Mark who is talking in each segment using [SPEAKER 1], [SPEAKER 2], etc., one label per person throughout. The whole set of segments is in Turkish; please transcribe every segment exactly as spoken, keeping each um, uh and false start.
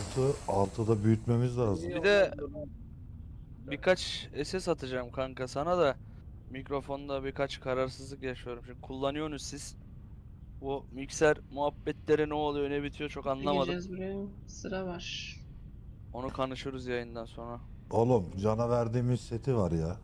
[SPEAKER 1] altı altıda büyütmemiz lazım.
[SPEAKER 2] İyi
[SPEAKER 3] Bir de
[SPEAKER 2] oldu.
[SPEAKER 3] birkaç S S atacağım kanka sana da. Mikrofonda birkaç kararsızlık yaşıyorum. Şimdi kullanıyorsunuz siz. Bu mikser muhabbetleri ne oluyor ne bitiyor çok
[SPEAKER 4] Ne
[SPEAKER 3] anlamadım.
[SPEAKER 4] gireceğiz buraya? Sıra var.
[SPEAKER 3] Onu konuşuruz yayından sonra.
[SPEAKER 1] Oğlum cana verdiğimiz seti var ya.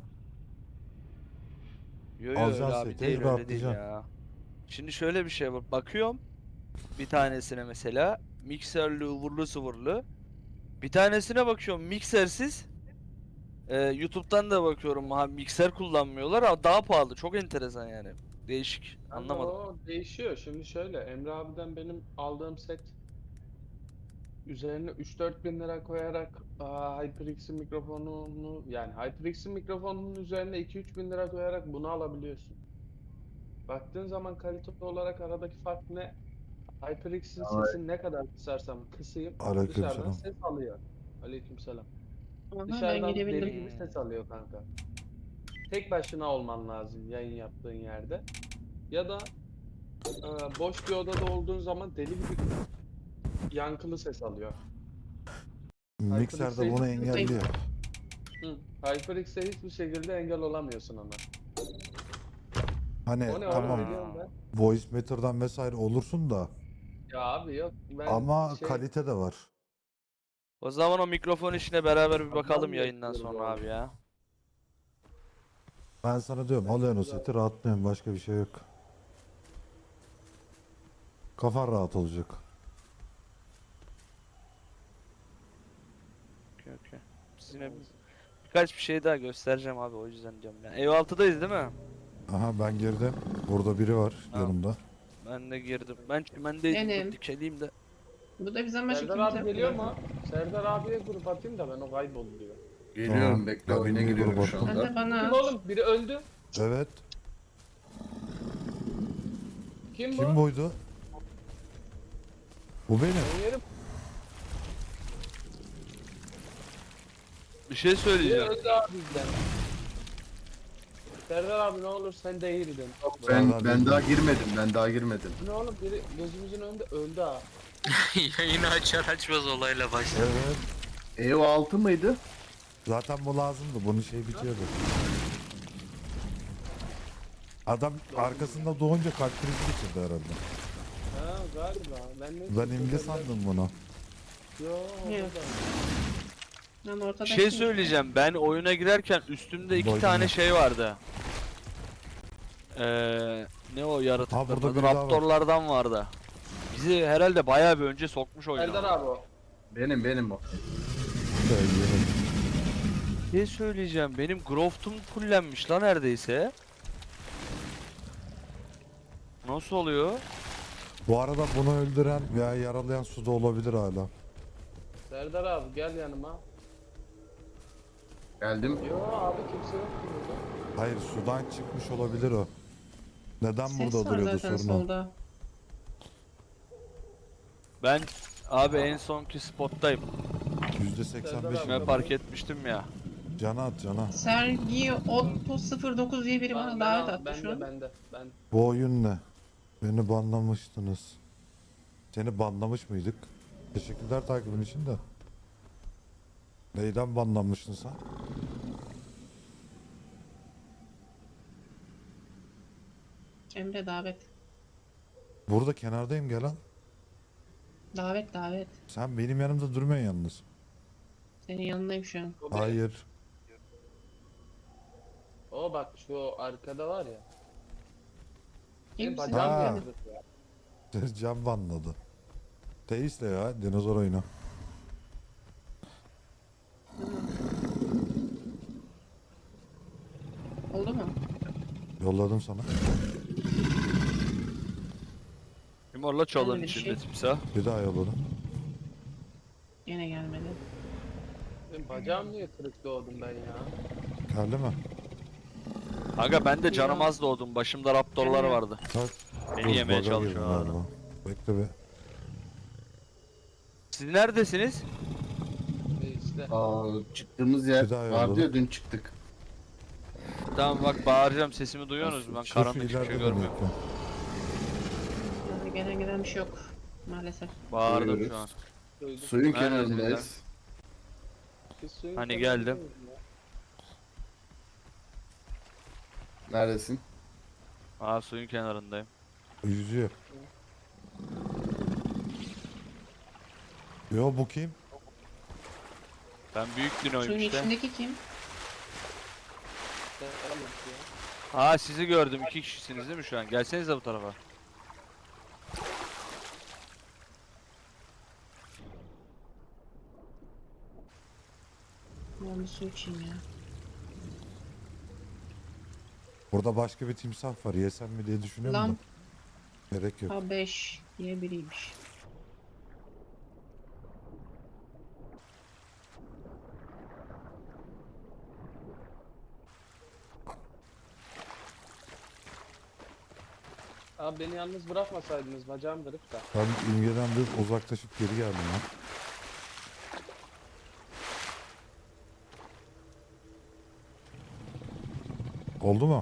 [SPEAKER 3] Yo yo
[SPEAKER 1] Alacaksın
[SPEAKER 3] öyle abi
[SPEAKER 1] seti,
[SPEAKER 3] değil öyle değil
[SPEAKER 1] rahatlayacaksın.
[SPEAKER 3] ya. Şimdi şöyle bir şey var. Bakıyorum bir tanesine mesela mikserli ıvırlı sıvırlı. Bir tanesine bakıyorum miksersiz. Ee, YouTube'dan da bakıyorum ha mikser kullanmıyorlar ama daha pahalı. Çok enteresan yani. Değişik.
[SPEAKER 2] Kanka
[SPEAKER 3] Anlamadım.
[SPEAKER 2] o değişiyor. Şimdi şöyle Emre abiden benim aldığım set üzerine üç dört bin lira koyarak aa, HyperX'in mikrofonunu yani HyperX'in mikrofonunun üzerine iki üç bin lira koyarak bunu alabiliyorsun. Baktığın zaman kalite olarak aradaki fark ne? HyperX'in sesini ne kadar kısarsam kısayım dışarıdan
[SPEAKER 1] Aleykümselam.
[SPEAKER 2] ses alıyor. Aleykümselam.
[SPEAKER 4] Aha, ben
[SPEAKER 2] Dışarıdan deli
[SPEAKER 4] girebildim.
[SPEAKER 2] gibi ses alıyor kanka. Tek başına olman lazım yayın yaptığın yerde. Ya da e, boş bir odada olduğun zaman deli gibi yankılı ses alıyor.
[SPEAKER 1] Mikser de bunu engelliyor.
[SPEAKER 2] Hı. HyperX'e hiçbir şekilde engel olamıyorsun ona.
[SPEAKER 1] Hani
[SPEAKER 2] O ne oğlum
[SPEAKER 1] tamam
[SPEAKER 2] biliyorum ben.
[SPEAKER 1] voice meter'dan vesaire olursun da
[SPEAKER 2] Ya abi yok ben
[SPEAKER 1] ama
[SPEAKER 2] şey,
[SPEAKER 1] kalite de var.
[SPEAKER 3] O zaman o mikrofon işine beraber bir bakalım
[SPEAKER 2] Adam
[SPEAKER 3] yayından
[SPEAKER 2] bekliyoruz
[SPEAKER 3] sonra
[SPEAKER 2] oğlum.
[SPEAKER 3] abi ya.
[SPEAKER 1] Ben sana diyorum alıyorsun o seti rahatlıyorsun, başka bir şey yok. Kafan rahat olacak.
[SPEAKER 3] Okey okey. Sizinle birkaç bir şey daha göstereceğim abi o yüzden diyorum ya. Ev altıdayız değil mi?
[SPEAKER 1] Aha ben girdim. Burada biri var
[SPEAKER 3] Tamam.
[SPEAKER 1] yanımda.
[SPEAKER 3] Ben de girdim. Ben çimendeydim.
[SPEAKER 4] Benim.
[SPEAKER 3] Dur dikeleyim de.
[SPEAKER 4] Bu da bizden başka
[SPEAKER 2] Serdar
[SPEAKER 4] kimse
[SPEAKER 2] abi
[SPEAKER 4] yok
[SPEAKER 2] geliyor
[SPEAKER 4] mu?
[SPEAKER 2] mu? Serdar abiye grup atayım da ben o kayboluyor.
[SPEAKER 5] Geliyorum
[SPEAKER 1] Tamam.
[SPEAKER 5] bekle
[SPEAKER 1] Ben
[SPEAKER 5] oyuna
[SPEAKER 1] bir
[SPEAKER 5] giriyorum
[SPEAKER 1] grup
[SPEAKER 5] şu
[SPEAKER 1] attım.
[SPEAKER 4] Sen de
[SPEAKER 5] anda.
[SPEAKER 4] bana
[SPEAKER 2] Kim
[SPEAKER 4] at.
[SPEAKER 2] oğlum? Biri öldü.
[SPEAKER 1] Evet.
[SPEAKER 2] Kim bu?
[SPEAKER 1] Kim buydu? Bu benim.
[SPEAKER 2] Ben yerim.
[SPEAKER 3] Bir şey
[SPEAKER 2] Biri
[SPEAKER 3] söyleyeceğim.
[SPEAKER 2] öldü abi bizden. Serdar abi ne olur sen değildin.
[SPEAKER 5] Ben
[SPEAKER 1] Vallahi
[SPEAKER 5] ben
[SPEAKER 1] bilmiyorum.
[SPEAKER 5] daha girmedim. Ben daha girmedim.
[SPEAKER 2] Ne oğlum biri gözümüzün önünde öldü ha.
[SPEAKER 6] Yayını açar açmaz olayla başladı.
[SPEAKER 1] Evet.
[SPEAKER 5] E o altı mıydı?
[SPEAKER 1] Zaten bu lazımdı. Bunun şey bitiyordu. Adam arkasında doğunca kalp krizi geçirdi herhalde.
[SPEAKER 2] Ha galiba. Ben ne
[SPEAKER 1] Ben imge sandım bunu.
[SPEAKER 2] Yo.
[SPEAKER 4] Yok. Ben ortada
[SPEAKER 3] Bir şey söyleyeceğim. Ben oyuna girerken üstümde iki
[SPEAKER 1] Boynu.
[SPEAKER 3] tane şey vardı. Ee, ne o
[SPEAKER 1] Ha,
[SPEAKER 3] yaratıklar?
[SPEAKER 1] burada
[SPEAKER 3] adı?
[SPEAKER 1] biri daha var.
[SPEAKER 3] Raptorlardan vardı. Bizi herhalde bayağı bir önce sokmuş
[SPEAKER 2] Serdar
[SPEAKER 3] oyuna.
[SPEAKER 2] abi o.
[SPEAKER 5] Benim benim o.
[SPEAKER 3] Bir şey söyleyeceğim. Benim Growth'um fullenmiş lan neredeyse. Nasıl oluyor?
[SPEAKER 1] Bu arada bunu öldüren veya yaralayan suda olabilir hala.
[SPEAKER 2] Serdar abi gel yanıma.
[SPEAKER 5] Geldim.
[SPEAKER 2] Yo abi kimse yok ki burada.
[SPEAKER 1] Hayır, sudan çıkmış olabilir o. Neden
[SPEAKER 4] Ses
[SPEAKER 1] burada
[SPEAKER 4] var
[SPEAKER 1] duruyordu
[SPEAKER 4] zaten
[SPEAKER 1] sorun o.
[SPEAKER 4] solda.
[SPEAKER 3] Ben abi en sonki spottayım.
[SPEAKER 1] yüzde seksen beş.
[SPEAKER 2] Serdar
[SPEAKER 3] Ben
[SPEAKER 2] abi.
[SPEAKER 3] fark etmiştim ya.
[SPEAKER 1] Cana at cana.
[SPEAKER 4] Sergi Otto sıfır dokuz diye biri bana
[SPEAKER 2] Ben-
[SPEAKER 4] davet
[SPEAKER 2] ben-
[SPEAKER 4] attı
[SPEAKER 2] bende,
[SPEAKER 4] şu an.
[SPEAKER 2] Bende ben.
[SPEAKER 1] Bu oyun ne? Beni banlamıştınız. Seni banlamış mıydık? Teşekkürler takibin için de. Neyden banlanmıştın sen?
[SPEAKER 4] Emre davet.
[SPEAKER 1] Burada kenardayım, gelen.
[SPEAKER 4] Davet davet.
[SPEAKER 1] Sen benim yanımda durmuyorsun yalnız.
[SPEAKER 4] Senin yanındayım şu an.
[SPEAKER 2] O, bir-
[SPEAKER 1] Hayır.
[SPEAKER 2] o bak şu arkada var ya.
[SPEAKER 4] İyi
[SPEAKER 2] Benim
[SPEAKER 4] misin?
[SPEAKER 2] bacağım
[SPEAKER 1] Ha.
[SPEAKER 2] yandı ya.
[SPEAKER 1] Can banladı. Teisle ya, dinozor oyunu.
[SPEAKER 4] Oldu mu?
[SPEAKER 1] Yolladım sana.
[SPEAKER 3] Limorla çalın
[SPEAKER 4] Öyle bir
[SPEAKER 3] içinde
[SPEAKER 4] şey.
[SPEAKER 3] timsah.
[SPEAKER 1] Bir daha yolladım.
[SPEAKER 4] Yine gelmedi.
[SPEAKER 2] Benim bacağım niye kırık doğdum ben ya?
[SPEAKER 1] Geldi mi?
[SPEAKER 3] Aga ben de canım
[SPEAKER 4] Ya.
[SPEAKER 3] az doğdum. Başımda raptorlar
[SPEAKER 4] Evet.
[SPEAKER 3] vardı.
[SPEAKER 1] Bak.
[SPEAKER 3] Beni yemeye
[SPEAKER 1] baga
[SPEAKER 3] çalışıyor
[SPEAKER 1] girdim
[SPEAKER 3] hala.
[SPEAKER 1] galiba. Bekle be.
[SPEAKER 3] Siz neredesiniz?
[SPEAKER 2] E işte.
[SPEAKER 5] Aa, çıktığımız yer
[SPEAKER 1] Bir daha
[SPEAKER 5] vardı
[SPEAKER 1] yolladım.
[SPEAKER 5] ya dün çıktık.
[SPEAKER 3] Tamam bak bağıracağım sesimi duyuyorsunuz mu? Ben
[SPEAKER 1] Şu-
[SPEAKER 3] karanlık
[SPEAKER 1] şu
[SPEAKER 3] hiçbir şey
[SPEAKER 1] ileride de
[SPEAKER 3] görmüyorum.
[SPEAKER 1] bekle.
[SPEAKER 4] Yani gelen gelen bir şey yok. Maalesef.
[SPEAKER 3] Bağırdım
[SPEAKER 5] Duyuyoruz.
[SPEAKER 3] şu an.
[SPEAKER 2] Duydum.
[SPEAKER 5] Suyun
[SPEAKER 3] Neredesiniz
[SPEAKER 5] kenarındayız.
[SPEAKER 2] Biz suyun
[SPEAKER 3] Hani
[SPEAKER 2] kenarındayız
[SPEAKER 3] geldim.
[SPEAKER 2] ya.
[SPEAKER 5] Neredesin?
[SPEAKER 3] Aa, suyun kenarındayım.
[SPEAKER 1] Yüzüyor. Yo bu kim?
[SPEAKER 3] Ben büyük dinoyum
[SPEAKER 4] Suyun
[SPEAKER 3] işte.
[SPEAKER 4] içindeki kim?
[SPEAKER 2] Devam et ya.
[SPEAKER 3] Aa, sizi gördüm. İki kişisiniz değil mi şu an? Gelsenize bu tarafa.
[SPEAKER 4] Ben bir su içeyim ya.
[SPEAKER 1] Burada başka bir timsah var. Yesem mi diye düşünüyorum
[SPEAKER 4] Lam
[SPEAKER 1] da. Gerek yok.
[SPEAKER 4] ha beş diye biriymiş.
[SPEAKER 2] Abi beni yalnız bırakmasaydınız bacağım kırık da.
[SPEAKER 1] Ben imgeden bir uzaklaşıp geri geldim ya. Oldu mu?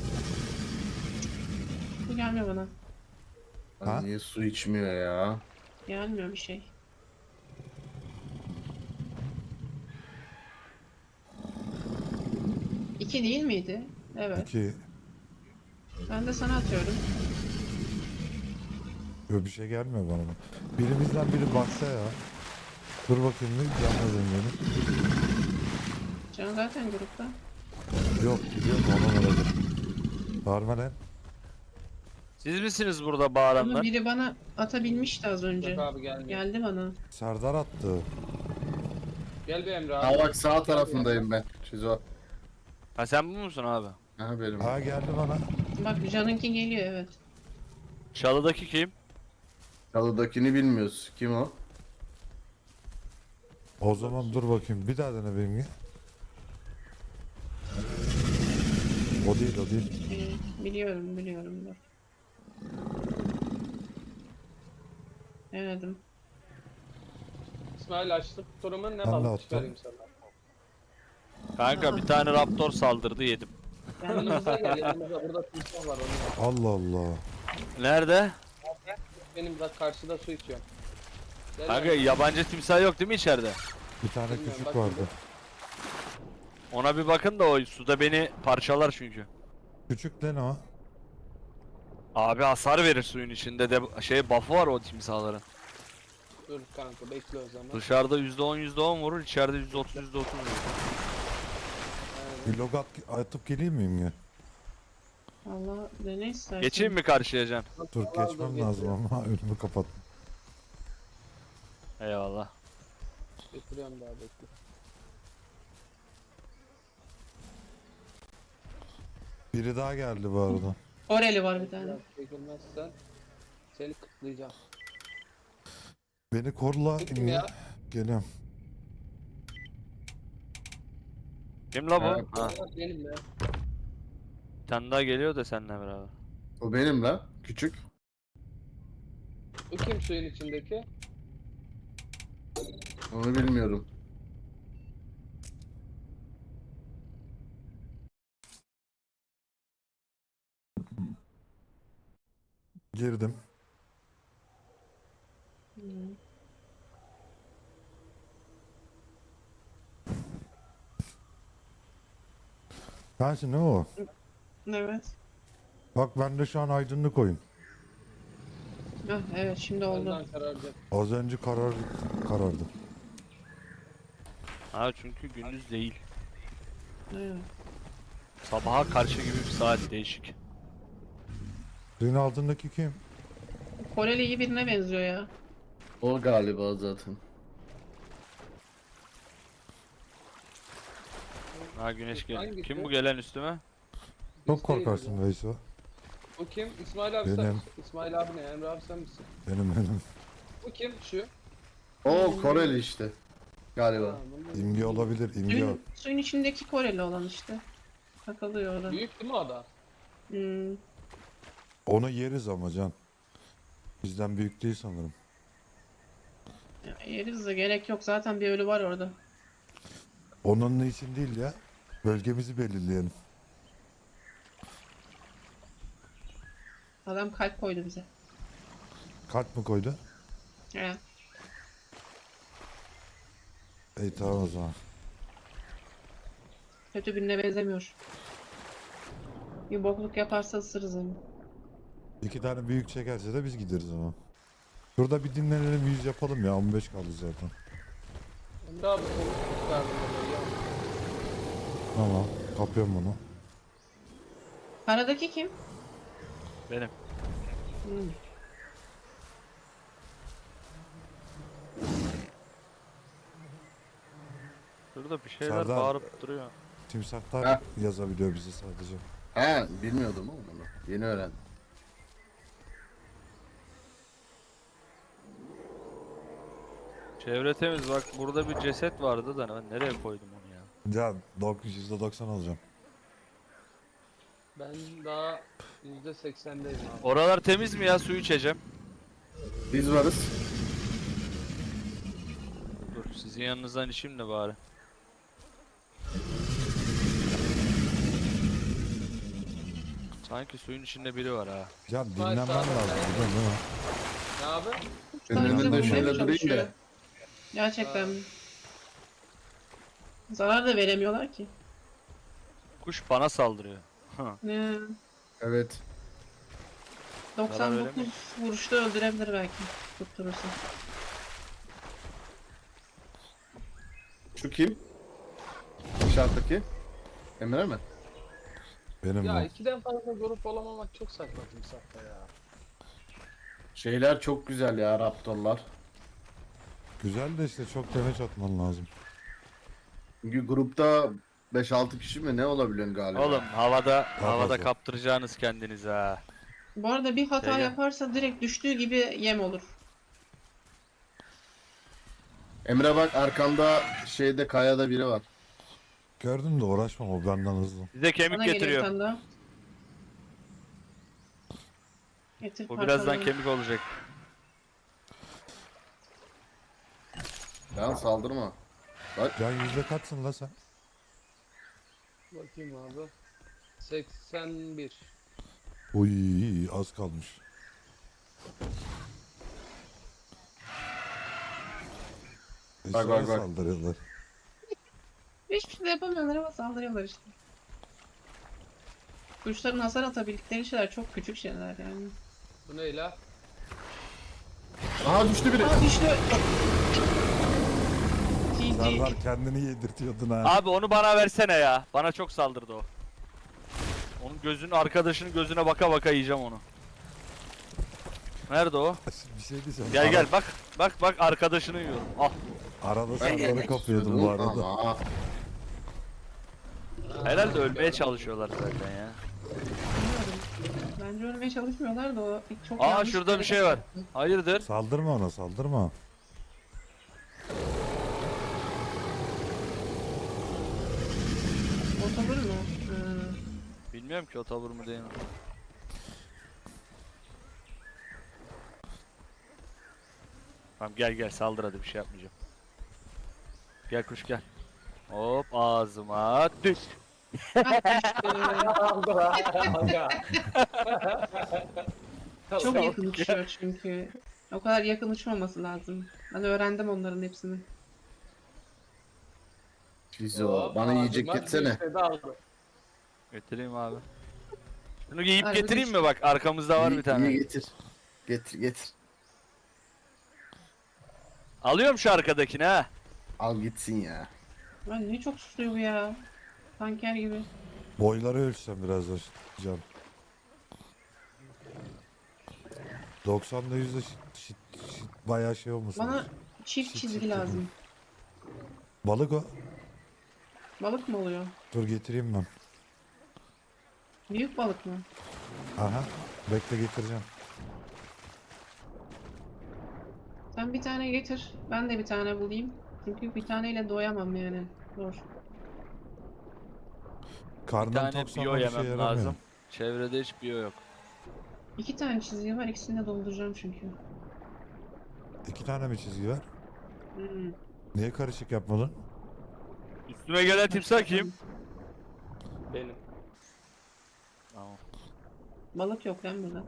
[SPEAKER 4] Bu gelmiyor bana.
[SPEAKER 1] Ha?
[SPEAKER 5] Lan niye su içmiyor ya?
[SPEAKER 4] Gelmiyor bir şey. İki değil miydi? Evet.
[SPEAKER 1] İki.
[SPEAKER 4] Ben de sana atıyorum.
[SPEAKER 1] Böyle bir şey gelmiyor bana. Birimizden biri baksa ya. Dur bakayım bir gelmeden beni.
[SPEAKER 4] Can zaten grupta.
[SPEAKER 1] Yok gidiyorum ona vuracak. Bağırma lan.
[SPEAKER 3] Siz misiniz burada
[SPEAKER 4] Ama
[SPEAKER 3] bağıranlar?
[SPEAKER 4] biri bana atabilmişti az önce.
[SPEAKER 2] Yok abi gelmiyor.
[SPEAKER 4] Geldi bana.
[SPEAKER 1] Serdar attı.
[SPEAKER 2] Gel bir Emre abi.
[SPEAKER 5] Ha bak sağ tarafındayım ben. Şizo.
[SPEAKER 3] Ha, sen bu musun abi?
[SPEAKER 5] Ha benim.
[SPEAKER 1] Ha geldi bana.
[SPEAKER 4] Bak Can'ınki geliyor evet.
[SPEAKER 3] Çalıdaki kim?
[SPEAKER 5] Çalıdakini bilmiyoruz. Kim o?
[SPEAKER 1] O zaman dur bakayım. Bir daha dene benimki. O değil o değil.
[SPEAKER 4] Ee, biliyorum biliyorum dur. Denedim.
[SPEAKER 2] İsmail açtık turumu ne
[SPEAKER 1] Ben de
[SPEAKER 2] balık
[SPEAKER 1] attım.
[SPEAKER 2] çıkarayım sana.
[SPEAKER 3] Kanka bir tane raptor saldırdı, yedim.
[SPEAKER 2] Yanımıza gel yanımıza burada timsah var onu.
[SPEAKER 1] Allah Allah.
[SPEAKER 3] Nerede?
[SPEAKER 2] Benim bak karşıda su içiyorum. Gel
[SPEAKER 3] Kanka
[SPEAKER 2] yanıma.
[SPEAKER 3] yabancı timsah yok değil mi içeride?
[SPEAKER 1] Bir tane
[SPEAKER 2] Bilmiyorum,
[SPEAKER 1] küçük
[SPEAKER 2] bak
[SPEAKER 1] vardı.
[SPEAKER 2] burada.
[SPEAKER 3] Ona bir bakın da, o suda beni parçalar çünkü.
[SPEAKER 1] Küçük lan o.
[SPEAKER 3] Abi hasar verir suyun içinde de, şey buff'ı var o timsahların.
[SPEAKER 2] Dur kanka bekle o zaman.
[SPEAKER 3] Dışarıda yüzde on yüzde on vurur, içeride yüzde otuz yüzde otuz vurur.
[SPEAKER 2] Aynen.
[SPEAKER 1] Bir log at, atıp geleyim miyim ya?
[SPEAKER 4] Allah dene istersen.
[SPEAKER 3] Geçeyim mi karşıya Can?
[SPEAKER 1] Dur
[SPEAKER 2] Al, al,
[SPEAKER 1] geçmem
[SPEAKER 2] dur,
[SPEAKER 1] lazım
[SPEAKER 2] getiriyorum.
[SPEAKER 1] ama önümü kapat.
[SPEAKER 3] Eyvallah.
[SPEAKER 2] Getiriyorum daha bekle.
[SPEAKER 1] Biri daha geldi bu arada.
[SPEAKER 4] Oreli var bir tane.
[SPEAKER 2] Biraz çekilmezsen seni kıtlayacağım.
[SPEAKER 1] Beni korla.
[SPEAKER 2] Kim ya?
[SPEAKER 1] Geliyorum.
[SPEAKER 3] Kim la
[SPEAKER 5] Ha,
[SPEAKER 3] bu? Ha,
[SPEAKER 2] Benim ya.
[SPEAKER 3] bir tane daha geliyor da seninle beraber.
[SPEAKER 5] O benim la. Küçük.
[SPEAKER 2] Bu kim suyun içindeki?
[SPEAKER 5] Onu bilmiyorum.
[SPEAKER 1] Girdim.
[SPEAKER 4] Hı.
[SPEAKER 1] Sensin değil mi o?
[SPEAKER 4] Evet.
[SPEAKER 1] Bak bende şu an aydınlık oyun.
[SPEAKER 4] Hah, evet şimdi oldu.
[SPEAKER 2] Ondan kararacak.
[SPEAKER 1] Az önce karar karardı.
[SPEAKER 3] Ha, çünkü gündüz değil.
[SPEAKER 4] Evet.
[SPEAKER 3] Sabaha karşı gibi bir saat, değişik.
[SPEAKER 1] Suyun altındaki kim?
[SPEAKER 4] Koreli iyi birine benziyor ya.
[SPEAKER 5] O galiba zaten.
[SPEAKER 3] Ha, güneş geliyor.
[SPEAKER 2] Hangisi?
[SPEAKER 3] Kim bu gelen üstüme?
[SPEAKER 1] Çok
[SPEAKER 2] Biz değiliz
[SPEAKER 1] korkarsın
[SPEAKER 2] ya.
[SPEAKER 1] Veyso.
[SPEAKER 2] Bu kim? İsmail abi sen
[SPEAKER 1] Benim.
[SPEAKER 2] misin? İsmail abi ne? Emre abi sen misin?
[SPEAKER 1] Benim benim.
[SPEAKER 2] Bu kim? Şu.
[SPEAKER 5] O Koreli işte. Galiba.
[SPEAKER 2] Ha, bunun-
[SPEAKER 1] İmge olabilir. İmge o.
[SPEAKER 4] Suyun, suyun içindeki Koreli olan işte. Takılıyor orada.
[SPEAKER 2] Büyük değil mi o da?
[SPEAKER 4] Hmm.
[SPEAKER 1] Onu yeriz ama Can. Bizden büyük değil sanırım.
[SPEAKER 4] Ya, yeriz de gerek yok. Zaten bir ölü var orada.
[SPEAKER 1] Onun için değil ya. Bölgemizi belirleyelim.
[SPEAKER 4] Adam kalp koydu bize.
[SPEAKER 1] Kalp mi koydu?
[SPEAKER 4] He.
[SPEAKER 1] İyi tamam o zaman.
[SPEAKER 4] Kötü birine benzemiyor. Bir bokluk yaparsa ısırırız onu.
[SPEAKER 1] İki tane büyük çekerse de biz gideriz ama. Şurada bir dinlenelim, yüz yapalım ya, on beş kaldı zaten.
[SPEAKER 2] Emre abi konuş kurtardım orayı ya.
[SPEAKER 1] Tamam, kapıyorum bunu.
[SPEAKER 4] Karadaki kim?
[SPEAKER 3] Benim.
[SPEAKER 4] Hmm.
[SPEAKER 3] Şurada bir şeyler
[SPEAKER 1] Serdar.
[SPEAKER 3] bağırıp duruyor.
[SPEAKER 1] Timsahlar
[SPEAKER 5] Ha.
[SPEAKER 1] yazabiliyor bize sadece.
[SPEAKER 5] He bilmiyordum oğlum onu. Yeni öğrendim.
[SPEAKER 3] Çevre temiz, bak burada bir ceset vardı da ben nereye koydum onu ya?
[SPEAKER 1] Can, yüzde doksan alacağım.
[SPEAKER 2] Ben daha yüzde seksendeyim abi.
[SPEAKER 3] Oralar temiz mi ya, su içeceğim.
[SPEAKER 5] Biz varız.
[SPEAKER 3] Dur sizin yanınızdan içeyim de bari. Sanki suyun içinde biri var ha.
[SPEAKER 1] Can
[SPEAKER 2] Hayır,
[SPEAKER 1] dinlenmen
[SPEAKER 2] tamam.
[SPEAKER 1] lazım biliyorsun değil mi?
[SPEAKER 2] Ne abi?
[SPEAKER 5] Senin
[SPEAKER 4] Bize
[SPEAKER 5] önünde
[SPEAKER 4] vurmaya
[SPEAKER 5] şöyle
[SPEAKER 4] mı
[SPEAKER 5] durayım
[SPEAKER 4] çalışıyor?
[SPEAKER 5] da.
[SPEAKER 4] Gerçekten mi? Zarar da veremiyorlar ki.
[SPEAKER 3] Kuş bana saldırıyor.
[SPEAKER 4] Ne?
[SPEAKER 5] Evet.
[SPEAKER 4] doksan dokuz
[SPEAKER 3] veremiyor.
[SPEAKER 4] vuruşta öldürebilir belki. Tutturursa.
[SPEAKER 5] Şu kim? Dışarıdaki. Emre mi?
[SPEAKER 1] Benim
[SPEAKER 2] Ya
[SPEAKER 1] bu.
[SPEAKER 2] ikiden fazla grup olamamak çok saçma timsahta ya.
[SPEAKER 5] Şeyler çok güzel ya Raptorlar.
[SPEAKER 1] Güzel de işte çok demeç atman lazım.
[SPEAKER 5] Çünkü grupta beş altı kişi mi ne olabiliyorsun galiba?
[SPEAKER 3] Oğlum havada havada
[SPEAKER 1] fazla.
[SPEAKER 3] kaptıracağınız kendinizi ha.
[SPEAKER 4] Bu arada bir hata
[SPEAKER 3] Şeyle.
[SPEAKER 4] yaparsa direkt düştüğü gibi yem olur.
[SPEAKER 5] Emre bak arkanda şeyde kayada biri var.
[SPEAKER 1] Gördün de uğraşma, o benden hızlı.
[SPEAKER 3] Size kemik
[SPEAKER 4] Bana geliyor bir
[SPEAKER 3] getiriyor.
[SPEAKER 4] tane daha. Getir
[SPEAKER 3] Bu birazdan
[SPEAKER 4] parçalarını.
[SPEAKER 3] kemik olacak.
[SPEAKER 5] Lan saldırma.
[SPEAKER 1] Can yüzde kaçsın la sen?
[SPEAKER 2] Bakayım abi. seksen bir.
[SPEAKER 1] Uy az kalmış.
[SPEAKER 5] Bak,
[SPEAKER 1] Eşeğe
[SPEAKER 5] bak, bak.
[SPEAKER 1] saldırıyorlar.
[SPEAKER 4] Hiçbir şey de yapamıyorlar ama saldırıyorlar işte. Kuşların hasar atabildikleri şeyler çok küçük şeyler yani.
[SPEAKER 2] Bu ne la?
[SPEAKER 5] Aha düştü biri.
[SPEAKER 4] Aa düştü. G G.
[SPEAKER 1] Serdar kendini yedirtiyordun ha.
[SPEAKER 3] Abi onu bana versene ya. Bana çok saldırdı o. Onun gözünün, arkadaşının gözüne baka baka yiyeceğim onu. Nerede o?
[SPEAKER 1] Bir şey diyeceğim.
[SPEAKER 3] Gel
[SPEAKER 1] Ara-
[SPEAKER 3] gel bak. Bak bak arkadaşını yiyorum. Al.
[SPEAKER 1] Arada
[SPEAKER 5] Ben
[SPEAKER 1] Serdar'ı
[SPEAKER 5] gelmek
[SPEAKER 1] kapıyordum bu
[SPEAKER 5] istiyordum
[SPEAKER 1] arada.
[SPEAKER 5] ama
[SPEAKER 3] Herhalde ölmeye çalışıyorlar zaten ya.
[SPEAKER 4] Bilmiyorum. Bence ölmeye çalışmıyorlar da o çok
[SPEAKER 3] Aa,
[SPEAKER 4] yanlış
[SPEAKER 3] şurada bir
[SPEAKER 4] hareket
[SPEAKER 3] şey var.
[SPEAKER 4] yaptı.
[SPEAKER 3] Hayırdır?
[SPEAKER 1] Saldırma ona, saldırma.
[SPEAKER 4] Otobur mu? Hı.
[SPEAKER 3] Bilmiyorum ki o tavır mı değil mi? Tamam gel gel saldır, hadi bir şey yapmayacağım. Gel kuş gel. Hop ağzıma düş.
[SPEAKER 4] Çok yakın uçuyor çünkü. O kadar yakın uçmaması lazım. Ben öğrendim onların hepsini.
[SPEAKER 5] Fizo bana yiyecek getsene.
[SPEAKER 3] Getireyim abi. Şunu giyip
[SPEAKER 4] Arada
[SPEAKER 3] getireyim
[SPEAKER 4] bir-
[SPEAKER 3] mi, bak arkamızda var
[SPEAKER 5] İyi-
[SPEAKER 3] bir tane.
[SPEAKER 5] iyi getir. Getir getir.
[SPEAKER 3] Alıyorum şu arkadakini ha.
[SPEAKER 5] Al gitsin ya.
[SPEAKER 4] Ay ne çok susuyor bu ya. Tanker gibi.
[SPEAKER 1] Boyları ölçsem biraz da Can. doksanda yüzde şit, şit, şit, bayağı şey olmasın.
[SPEAKER 4] Bana çift
[SPEAKER 1] Şık
[SPEAKER 4] çizgi
[SPEAKER 1] şık
[SPEAKER 4] lazım.
[SPEAKER 1] Balık o.
[SPEAKER 4] Balık mı oluyor?
[SPEAKER 1] Dur getireyim ben.
[SPEAKER 4] Büyük balık mı?
[SPEAKER 1] Aha. Bekle getireceğim.
[SPEAKER 4] Sen bir tane getir. Ben de bir tane bulayım. Çünkü bir taneyle doyamam yani. Zor.
[SPEAKER 3] Bir
[SPEAKER 1] Karnım
[SPEAKER 3] tane
[SPEAKER 1] toksa
[SPEAKER 3] biyo
[SPEAKER 1] ama bir şey
[SPEAKER 3] yemem
[SPEAKER 1] yaramıyor.
[SPEAKER 3] lazım. Çevrede hiç biyo yok.
[SPEAKER 4] İki tane çizgi var. İkisini de dolduracağım çünkü.
[SPEAKER 1] İki tane mi çizgi var?
[SPEAKER 4] Hmm.
[SPEAKER 1] Niye karışık yapmadın?
[SPEAKER 3] Üstüme gelen timsah kim?
[SPEAKER 2] Benim.
[SPEAKER 3] Tamam.
[SPEAKER 4] Balık yok lan burada.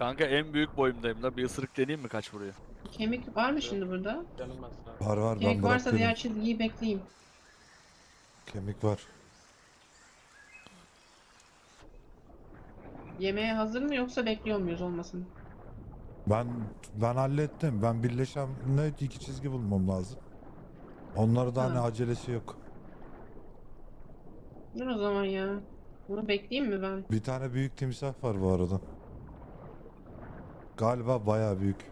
[SPEAKER 3] Kanka en büyük boyumdayım da bir ısırık deneyeyim mi kaç vuruyor?
[SPEAKER 4] Kemik var mı şimdi burada?
[SPEAKER 2] Canım aslında.
[SPEAKER 1] Var var ben
[SPEAKER 4] Kemik varsa
[SPEAKER 1] bıraktım.
[SPEAKER 4] diğer çizgiyi bekleyeyim.
[SPEAKER 1] Kemik var.
[SPEAKER 4] Yemeğe hazır mı yoksa bekliyor muyuz olmasın?
[SPEAKER 1] Ben ben hallettim. Ben birleşenle iki çizgi bulmam lazım. Onları da hani
[SPEAKER 4] Ha.
[SPEAKER 1] acelesi yok.
[SPEAKER 4] Dur o zaman ya. Bunu bekleyeyim mi ben?
[SPEAKER 1] Bir tane büyük timsah var bu arada. Galiba bayağı büyük.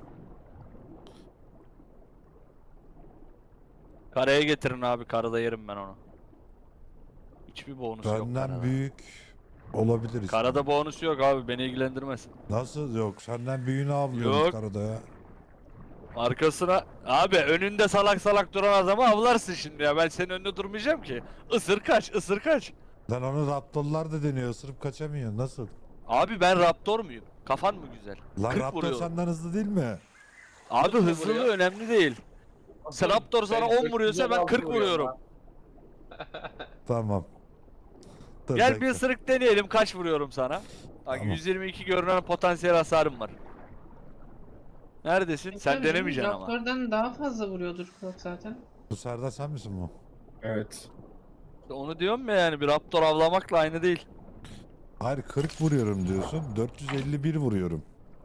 [SPEAKER 3] Karaya getirin abi, karada yerim ben onu. Hiçbir bonusu yok
[SPEAKER 1] Benden
[SPEAKER 3] karada.
[SPEAKER 1] büyük olabilir işte.
[SPEAKER 3] Karada bonusu yok abi, beni ilgilendirmez.
[SPEAKER 1] Nasıl yok? Senden büyüğünü avlıyoruz
[SPEAKER 3] Yok.
[SPEAKER 1] karada ya.
[SPEAKER 3] Arkasına abi, önünde salak salak duran adamı avlarsın şimdi ya, ben senin önünde durmayacağım ki. Isır kaç, ısır kaç.
[SPEAKER 1] Lan onu raptorlar da deniyor. Isırıp kaçamıyor. Nasıl?
[SPEAKER 3] Abi ben raptor muyum? Kafan mı güzel?
[SPEAKER 1] Lan
[SPEAKER 3] kırk
[SPEAKER 1] raptor
[SPEAKER 3] vuruyorum.
[SPEAKER 1] senden hızlı değil mi?
[SPEAKER 3] Abi
[SPEAKER 2] Kırk mı
[SPEAKER 3] hızlılığı
[SPEAKER 2] vuruyor?
[SPEAKER 3] önemli değil. Sen Raptor sana
[SPEAKER 2] Ben
[SPEAKER 3] on vuruyorsa ben kırk vuruyorum.
[SPEAKER 2] lan.
[SPEAKER 1] Tamam. Dur,
[SPEAKER 3] Gel bir
[SPEAKER 1] bekle.
[SPEAKER 3] ısırık deneyelim, kaç vuruyorum sana. Bak
[SPEAKER 1] Tamam.
[SPEAKER 3] yüz yirmi iki görünen potansiyel hasarım var. Neredesin? Sen
[SPEAKER 4] Tabii canım,
[SPEAKER 3] denemeyeceksin ama.
[SPEAKER 4] Raptor'dan daha fazla vuruyordur Krok zaten.
[SPEAKER 1] Bu Serdar sen misin bu?
[SPEAKER 5] Evet.
[SPEAKER 3] Onu diyorum ya, yani bir Raptor avlamakla aynı değil.
[SPEAKER 1] Hayır kırk vuruyorum diyorsun. dört yüz elli bir vuruyorum.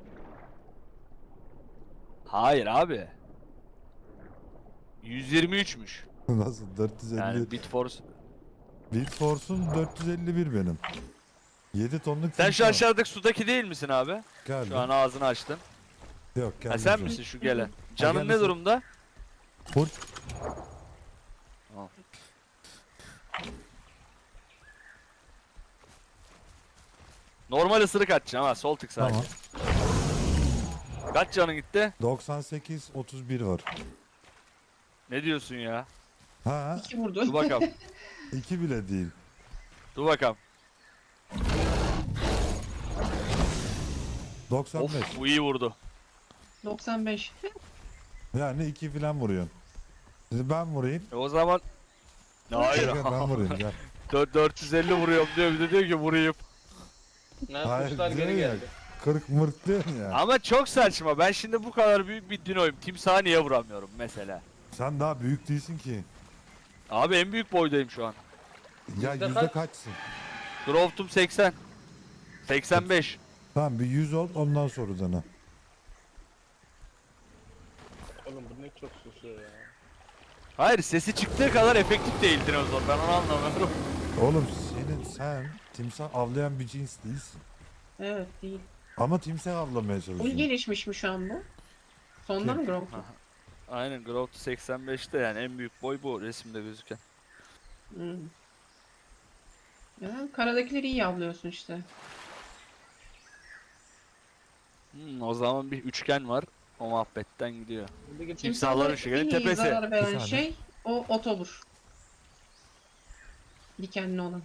[SPEAKER 3] Hayır abi. yüz yirmi üçmüş.
[SPEAKER 1] Nasıl? dört yüz elli.
[SPEAKER 3] Yani Bitforce.
[SPEAKER 1] Beat Force'un dört yüz elli bir benim. yedi tonluk
[SPEAKER 3] Sen şu
[SPEAKER 1] timsah.
[SPEAKER 3] aşağıdaki sudaki değil misin abi?
[SPEAKER 1] Geldim.
[SPEAKER 3] Şu an ağzını açtın.
[SPEAKER 1] Yok
[SPEAKER 3] Ha
[SPEAKER 1] geldim.
[SPEAKER 3] sen
[SPEAKER 1] şu an.
[SPEAKER 3] misin şu gelen? Canın
[SPEAKER 1] geldi
[SPEAKER 3] ne
[SPEAKER 1] sen.
[SPEAKER 3] durumda?
[SPEAKER 1] Full.
[SPEAKER 3] Tamam. Normal ısırık atacaksın ha, sol tık sadece.
[SPEAKER 1] Tamam.
[SPEAKER 3] Kaç canın gitti?
[SPEAKER 1] doksan sekiz otuz bir var.
[SPEAKER 3] Ne diyorsun ya?
[SPEAKER 1] Ha,
[SPEAKER 4] İki vurdu.
[SPEAKER 3] Dur bakalım.
[SPEAKER 1] iki bile değil.
[SPEAKER 3] Dur bakalım.
[SPEAKER 1] doksan beş.
[SPEAKER 3] Of, bu iyi vurdu.
[SPEAKER 4] doksan beş.
[SPEAKER 1] Yani iki filan vuruyorsun. Şimdi ben vurayım.
[SPEAKER 3] E o zaman... Hayır.
[SPEAKER 1] Gel, ben vurayım gel.
[SPEAKER 3] Dört- dört yüz elli vuruyorum diyor, bir de diyor ki vurayım.
[SPEAKER 2] Ne
[SPEAKER 1] Hayır
[SPEAKER 2] kuşlar
[SPEAKER 1] diyor
[SPEAKER 2] geri
[SPEAKER 1] ya.
[SPEAKER 2] geldi.
[SPEAKER 1] kırk mırt diyorsun ya.
[SPEAKER 3] Ama çok saçma. Ben şimdi bu kadar büyük bir dinoyum. Timsaha niye vuramıyorum mesela?
[SPEAKER 1] Sen daha büyük değilsin ki.
[SPEAKER 3] Abi en büyük boydayım şu an.
[SPEAKER 1] Ya
[SPEAKER 2] Yüzde
[SPEAKER 1] yüzde
[SPEAKER 2] kaç?
[SPEAKER 1] kaçsın?
[SPEAKER 3] Growth'um seksen. seksen beş.
[SPEAKER 1] Tamam bir yüz ol ondan sonra dene.
[SPEAKER 2] Oğlum bu ne çok susuyor ya.
[SPEAKER 3] Hayır, sesi çıktığı kadar efektif değil dinozor. Ben onu anlamıyorum.
[SPEAKER 1] Oğlum senin sen timsah avlayan bir cins değilsin.
[SPEAKER 4] Evet değil.
[SPEAKER 1] Ama timsah avlamaya
[SPEAKER 4] Full
[SPEAKER 1] çalışıyorsun.
[SPEAKER 4] gelişmiş mi şu an bu? Sonda
[SPEAKER 1] Kim?
[SPEAKER 4] mı Grok?
[SPEAKER 3] Aynen, Growth seksen beşte, yani en büyük boy bu resimde gözüken.
[SPEAKER 4] Hmm. Ya, karadakileri iyi avlıyorsun işte.
[SPEAKER 3] Hmm, o zaman bir üçgen var. O muhabbetten gidiyor.
[SPEAKER 2] Şimdi git
[SPEAKER 3] Timsahların
[SPEAKER 4] Timsahlara
[SPEAKER 3] şekerin
[SPEAKER 4] en iyi
[SPEAKER 3] tepesi.
[SPEAKER 4] zarar
[SPEAKER 1] Bir
[SPEAKER 4] veren
[SPEAKER 1] saniye.
[SPEAKER 4] şey o otobur. Dikenli olan.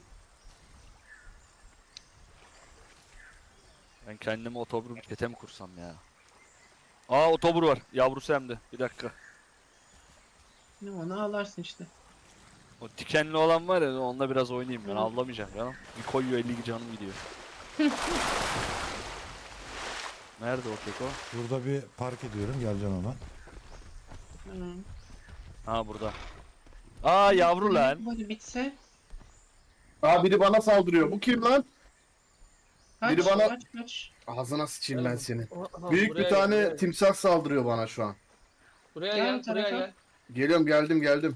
[SPEAKER 3] Ben kendime otobur çete mi kursam ya? Aa, otobur var. Yavrusu hem de. Bir dakika.
[SPEAKER 4] Ne onu ağlarsın işte.
[SPEAKER 3] O dikenli olan var ya, onunla biraz oynayayım ben.
[SPEAKER 4] Hı.
[SPEAKER 3] Avlamayacağım canım. Bir koyuyor, elli canım gidiyor. Nerede o keko?
[SPEAKER 1] Burada bir park ediyorum geleceksin ona.
[SPEAKER 4] Hmm.
[SPEAKER 3] Ha, burada. Aa, yavru lan.
[SPEAKER 4] Hadi bitse.
[SPEAKER 5] Aa biri bana saldırıyor. Bu kim lan?
[SPEAKER 4] Kaç,
[SPEAKER 5] Biri bana-
[SPEAKER 4] kaç, kaç.
[SPEAKER 5] Ağzına sıçayım ben seni.
[SPEAKER 2] Aha,
[SPEAKER 5] Büyük
[SPEAKER 2] buraya
[SPEAKER 5] bir
[SPEAKER 2] gel,
[SPEAKER 5] tane
[SPEAKER 2] buraya gel.
[SPEAKER 5] timsah saldırıyor bana şu an.
[SPEAKER 2] Buraya
[SPEAKER 4] Gel
[SPEAKER 2] gel,
[SPEAKER 4] bu tarafa.
[SPEAKER 2] buraya gel.
[SPEAKER 5] Geliyorum geldim geldim.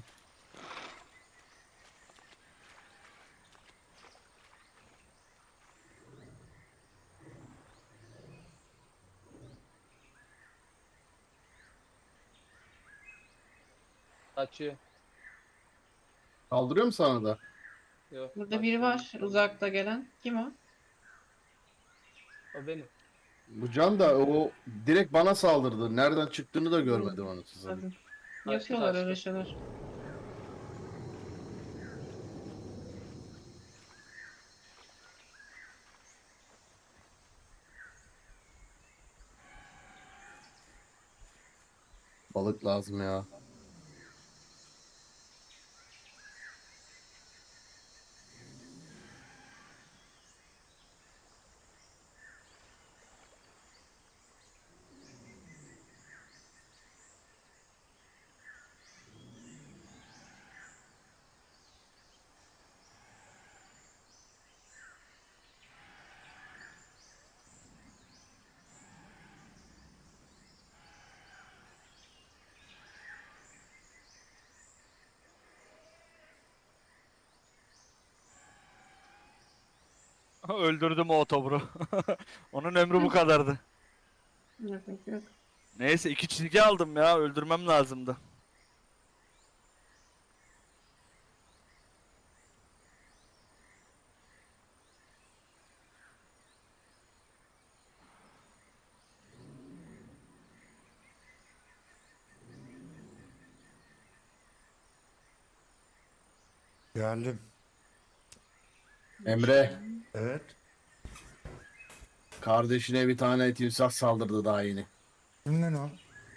[SPEAKER 2] Kaçıyor.
[SPEAKER 5] Saldırıyor mu sana da?
[SPEAKER 2] Yok.
[SPEAKER 4] Burada biri
[SPEAKER 2] kaçıyor.
[SPEAKER 4] var uzakta gelen. Kim o?
[SPEAKER 2] O benim.
[SPEAKER 5] Bu can da o direkt bana saldırdı. Nereden çıktığını da görmedim onu size.
[SPEAKER 4] Hadi.
[SPEAKER 2] Kaçtı,
[SPEAKER 4] Yapıyorlar
[SPEAKER 2] kaçtı.
[SPEAKER 4] öyle şeyler.
[SPEAKER 5] Balık lazım ya.
[SPEAKER 3] Öldürdüm o otoburu. Onun ömrü bu kadardı.
[SPEAKER 4] Yok yok yok.
[SPEAKER 3] Neyse iki çizgi aldım ya. Öldürmem lazımdı.
[SPEAKER 1] Geldim.
[SPEAKER 5] Emre,
[SPEAKER 1] Evet.
[SPEAKER 5] kardeşine bir tane timsah saldırdı daha yeni.
[SPEAKER 1] Kimden o?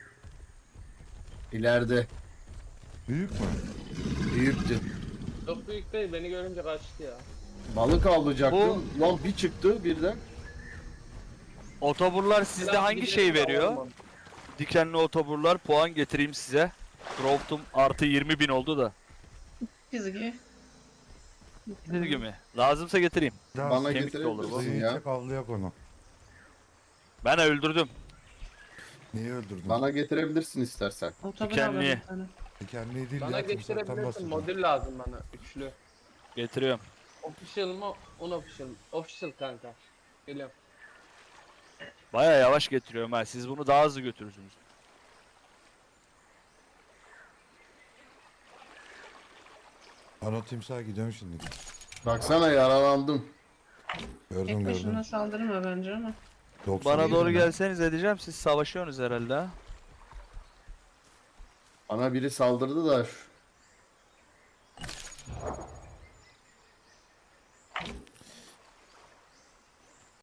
[SPEAKER 5] İleride
[SPEAKER 1] Büyük mü?
[SPEAKER 5] büyüktü.
[SPEAKER 2] Çok büyük değil, beni görünce kaçtı ya.
[SPEAKER 5] Balık avlayacaktım. Lan bir çıktı birden.
[SPEAKER 3] Otoburlar sizde
[SPEAKER 2] Biraz
[SPEAKER 3] hangi
[SPEAKER 2] gidelim
[SPEAKER 3] şey
[SPEAKER 2] de
[SPEAKER 3] veriyor?
[SPEAKER 2] olmam.
[SPEAKER 3] Dikenli otoburlar puan getireyim size. Growth'um artı yirmi bin oldu da.
[SPEAKER 4] Çizgi.
[SPEAKER 3] Çizgi mi? Lazımsa getireyim.
[SPEAKER 1] Daha
[SPEAKER 5] Bana
[SPEAKER 3] kemik de olur bu.
[SPEAKER 5] getirebilirsin
[SPEAKER 1] Zehir
[SPEAKER 5] ya.
[SPEAKER 1] çek avlayak onu.
[SPEAKER 3] Ben öldürdüm.
[SPEAKER 1] Niye öldürdün?
[SPEAKER 5] Bana getirebilirsin istersen.
[SPEAKER 4] Otobüs
[SPEAKER 3] Dikenli.
[SPEAKER 4] alalım bir tane.
[SPEAKER 1] Dikenli değil
[SPEAKER 2] Bana
[SPEAKER 1] ya. Timsahtan
[SPEAKER 2] getirebilirsin,
[SPEAKER 1] bahsediyorum.
[SPEAKER 2] modül lazım bana, üçlü.
[SPEAKER 3] Getiriyorum.
[SPEAKER 2] Official mı, unofficial mı? Official kanka. Geliyorum.
[SPEAKER 3] Baya yavaş getiriyorum ha. Siz bunu daha hızlı götürürsünüz.
[SPEAKER 1] Ana timsaha gidiyorum şimdi.
[SPEAKER 5] Baksana yaralandım.
[SPEAKER 1] Gördüm
[SPEAKER 4] Tek
[SPEAKER 1] gördüm.
[SPEAKER 4] başına saldırma bence ama.
[SPEAKER 1] doksan
[SPEAKER 3] Bana
[SPEAKER 1] yedi
[SPEAKER 3] doğru
[SPEAKER 1] mi?
[SPEAKER 3] gelseniz edeceğim. Siz savaşıyorsunuz herhalde ha.
[SPEAKER 5] Bana biri saldırdı da şu-